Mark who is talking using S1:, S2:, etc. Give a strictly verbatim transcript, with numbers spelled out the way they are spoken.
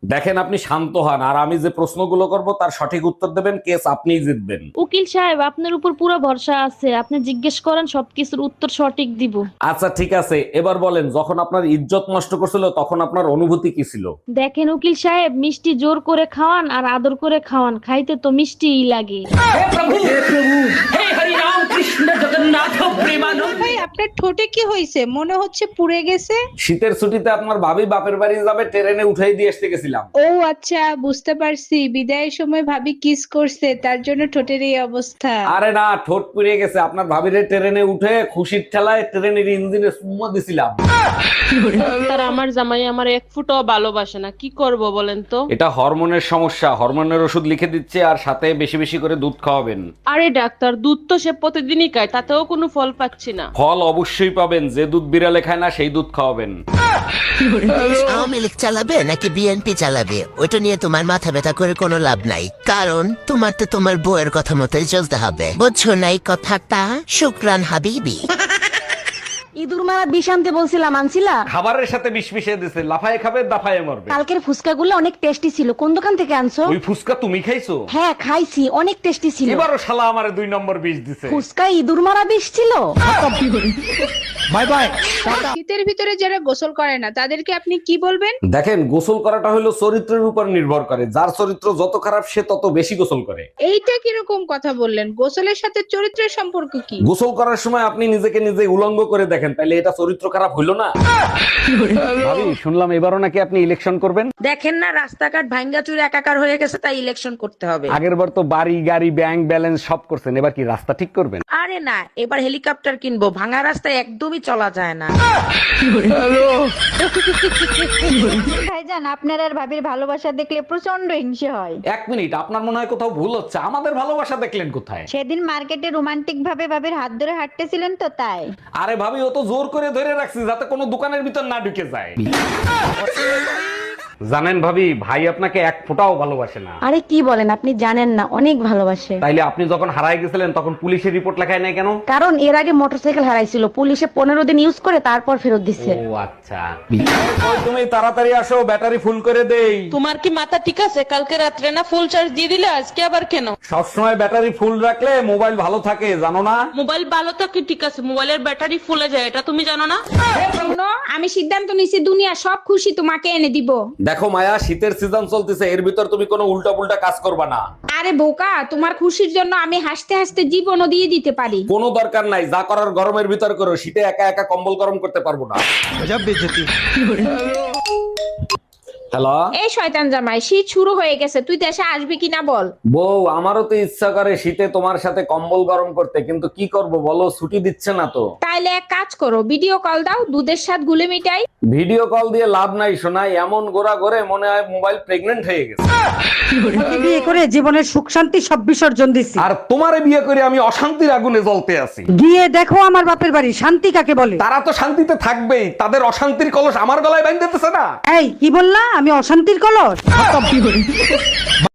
S1: দেখেন আপনি শান্ত হন, আর আমি যে প্রশ্নগুলো করব তার সঠিক উত্তর দেবেন, কেস আপনিই জিতবেন।
S2: উকিল সাহেব, আপনার উপর পুরো ভরসা আছে, আপনি জিজ্ঞেস করেন, সবকিছুর উত্তর সঠিক দিব।
S1: আচ্ছা ঠিক আছে, এবার বলেন, যখন আপনার ইজ্জত নষ্ট করছিল তখন আপনার অনুভূতি কি ছিল?
S2: দেখেন উকিল সাহেব, মিষ্টি জোর করে খাওয়ান আর আদর করে খাওয়ান, খাইতে তো মিষ্টিই লাগে।
S3: ভাই আপনার ঠোঁটে কি হয়েছে? মনে হচ্ছে পুড়ে গেছে।
S1: শীতের ছুটিতে আপনার ভাবি বাপের বাড়ি যাবে, ট্রেনে উঠাই দিয়ে আসতে গেছিলাম।
S3: ও আচ্ছা, বুঝতে পারছি, বিদায়ের সময় ভাবি কিস করছে তার জন্য ঠোঁটের এই অবস্থা।
S1: আরে না, ঠোঁট পুড়ে গেছে। আপনার ভাবিরে ট্রেনে উঠে খুশির ঠেলায় ট্রেনের ইঞ্জিনে সুম্মা দিছিলাম।
S4: তার আমার জামাই আমার এক ফুটও ভালোবাসে না, কি করব বলেন তো?
S1: এটা হরমোনের সমস্যা, হরমোনের ওষুধ লিখে দিচ্ছে, আর সাথে বেশি বেশি করে দুধ খাওয়াবেন।
S4: আরে ডাক্তার, দুধ তো সে প্রতিদিনই খায়, তাতেও কোনো ফল পাচ্ছি না।
S1: ফল অবশ্যই পাবেন, যে দুধ বিড়ালে খায় না সেই দুধ খাওয়াবেন।
S5: আওয়ামী লীগ চালাবে নাকি বিএনপি চালাবে ওইটা নিয়ে তোমার মাথা ব্যথা করে কোনো লাভ নাই, কারণ তোমার তো তোমার বউয়ের কথা মতোই চলতে হবে, বুঝছো নাই কথাটা? শুক্রান হাবিবি।
S6: ইঁদুর মারা বিষ আনতে বলছিলাম, আনছিলা?
S1: খাবারের সাথে বিষ মিশিয়ে দিছে, লাফায় খাবে দাফায় মরবে।
S6: কালকের ফুচকাগুলো অনেক টেস্টি ছিল, কোন দোকান থেকে আনছো?
S1: ওই ফুসকা তুমি খাইছো?
S6: হ্যাঁ খাইছি, অনেক টেস্টি ছিল।
S1: এবারও শালা আমারে দুই নম্বর বিষ দিছে।
S6: ফুচকা ইঁদুর মারা বিষ ছিল।
S1: Bye bye.
S3: শীতের ভিতরে যারা গোসল করে না তাদেরকে আপনি কি বলবেন?
S1: দেখেন, গোসল করাটা হলো চরিত্রের উপর নির্ভর করে, যার চরিত্র যত খারাপ সে তত বেশি গোসল করে।
S3: এইটা কিরকম কথা বললেন? গোসলের সাথে চরিত্রের সম্পর্ক কি?
S1: গোসল করার সময় আপনি নিজেকে নিজে উলঙ্গ করে দেখেন, তাইলে এটা চরিত্র খারাপ হইলো না? ভাবি, শুনলাম এবারও নাকি আপনি ইলেকশন করবেন।
S7: দেখেন না, রাস্তাঘাট ভাঙ্গা চুরে একাকার হয়ে গেছে, তাই ইলেকশন করতে হবে।
S1: আগের বার তো বাড়ি গাড়ি ব্যাংক ব্যালেন্স সব করছেন, এবার কি রাস্তা ঠিক করবেন?
S7: আরে না, এবার হেলিকপ্টার কিনবো, ভাঙা রাস্তায় একদমই চলা যায় না।
S8: ভাইজান, আপনার আর ভাবির ভালোবাসা দেখলে প্রচন্ড হিংসে হয়।
S1: এক মিনিট, আপনার মনে হয় কোথাও ভুল হচ্ছে, আমাদের ভালোবাসা দেখলেন কোথায়?
S8: সেদিন মার্কেটে রোমান্টিক ভাবে ভাবির হাত ধরে হাঁটতেছিলেন তো, তাই।
S1: আরে ভাবি, ও তো জোর করে ধরে রাখছি যাতে কোনো দোকানের ভিতর না ঢুকে যায়। জানেন ভাবি, ভাই আপনাকে এক ফোঁটাও ভালোবাসে না।
S6: আরে কি বলেন, আপনি জানেন না, অনেক ভালোবাসে।
S1: তাইলে আপনি যখন হারায় গেছিলেন তখন পুলিশের রিপোর্ট লেখায় নাই কেন?
S6: কারণ এর আগে মোটরসাইকেল হারাইছিল, পুলিশে পনেরো দিন ইউজ করে তারপর ফেরত দিচ্ছে।
S1: ও আচ্ছা। ওই তুমি তাড়াতাড়ি আসো, ব্যাটারি ফুল করে দেই।
S4: তোমার কি মাথা ঠিক আছে? কালকে রাত্রে না ফুল চার্জ দিয়ে দিলে, আজকে আবার কেন?
S1: সবসময় ব্যাটারি ফুল রাখলে মোবাইল ভালো থাকে, জানো না?
S4: মোবাইল ভালো তো কি ঠিক আছে, মোবাইলের ব্যাটারি ফুলে যায়, এটা তুমি জানো না?
S3: শোনো, আমি সিদ্ধান্ত নিছি, দুনিয়া সব খুশি তোমাকে এনে দিব।
S1: দেখো মায়া, শীতের সিজন চলতেছে, এর ভিতর তুমি কোনো উল্টা পুল্টা কাজ করবা না।
S3: আরে বোকা, তোমার খুশির জন্য আমি হাসতে হাসতে জীবনও দিয়ে দিতে পারি।
S1: কোনো দরকার নাই, যা করার গরমের ভিতর করো, শীতে একা একা কম্বল গরম করতে পারবো না। হ্যালো।
S3: এই শয়তান জামাই, শীত শুরু হয়ে গেছে, তুই দেশে আসবি কিনা বল।
S1: বউ, আমারও তো ইচ্ছা করে শীতে তোমার সাথে কম্বল গরম করতে, কিন্তু কি করব বলো, ছুটি দিচ্ছে না তো।
S3: তাইলে এক কাজ করো, ভিডিও কল দাও, দুধের সাথে গুলে মিটাই।
S1: ভিডিও কল দিয়ে লাভ নাই শোনাই, এমন গোড়া করে মনে হয় মোবাইল প্রেগনেন্ট হয়ে গেছে।
S9: বিয়ে করে জীবনের সুখ শান্তি সব বিসর্জন দিছি,
S1: আর তোমারে বিয়ে করে আমি অশান্তির আগুনে জ্বলতে আছি।
S9: গিয়ে দেখো আমার বাপের বাড়ি, শান্তি কাকে বলে।
S1: তারা তো শান্তিতে থাকবেই, তাদের অশান্তির কলস আমার গলায় বাঁধতেছে না।
S9: এই কি বললা, আমি অশান্তির কলস?